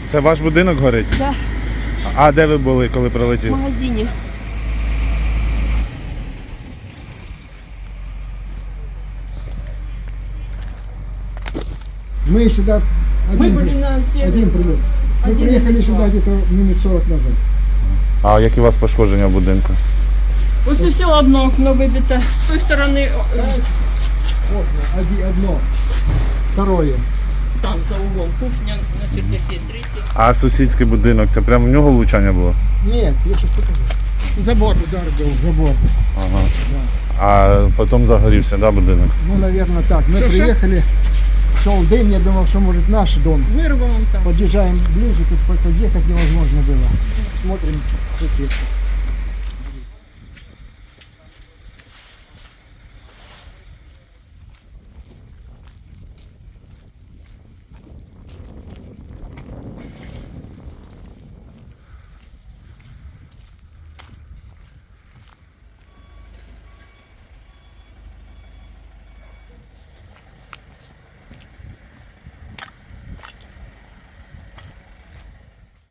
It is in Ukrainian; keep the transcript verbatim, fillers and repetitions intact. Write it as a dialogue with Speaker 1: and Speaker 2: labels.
Speaker 1: Це ваш будинок горить?
Speaker 2: Так, да,
Speaker 1: А де ви були, коли
Speaker 2: в
Speaker 1: прилетів?
Speaker 2: магазині.
Speaker 3: Мы сюда
Speaker 2: Ми
Speaker 3: один,
Speaker 2: були
Speaker 3: при-
Speaker 2: на севері.
Speaker 3: один прилет. Мы
Speaker 2: Один
Speaker 3: приехали
Speaker 2: прилет.
Speaker 3: сюда где-то минут сорок назад.
Speaker 1: А які у вас пошкодження в будинку?
Speaker 2: Ось усе одно окно вибите. З тої сторони о,
Speaker 3: Окна, оди- одно, второе.
Speaker 2: там за углом кухня на чердаке третє.
Speaker 1: А сусідський будинок, це прямо в нього влучання було?
Speaker 3: Нет, я сейчас покажу.
Speaker 2: Забор.
Speaker 3: Удар был в забор.
Speaker 1: Ага. А потім загорівся, да, будинок?
Speaker 3: Ну, наверное, так. Мы
Speaker 2: Что, что?
Speaker 3: приехали, шел дым, я думал, что может наш дом.
Speaker 2: Вирвало там.
Speaker 3: Подъезжаем ближе, тут подъехать невозможно было. Смотрим, соседка.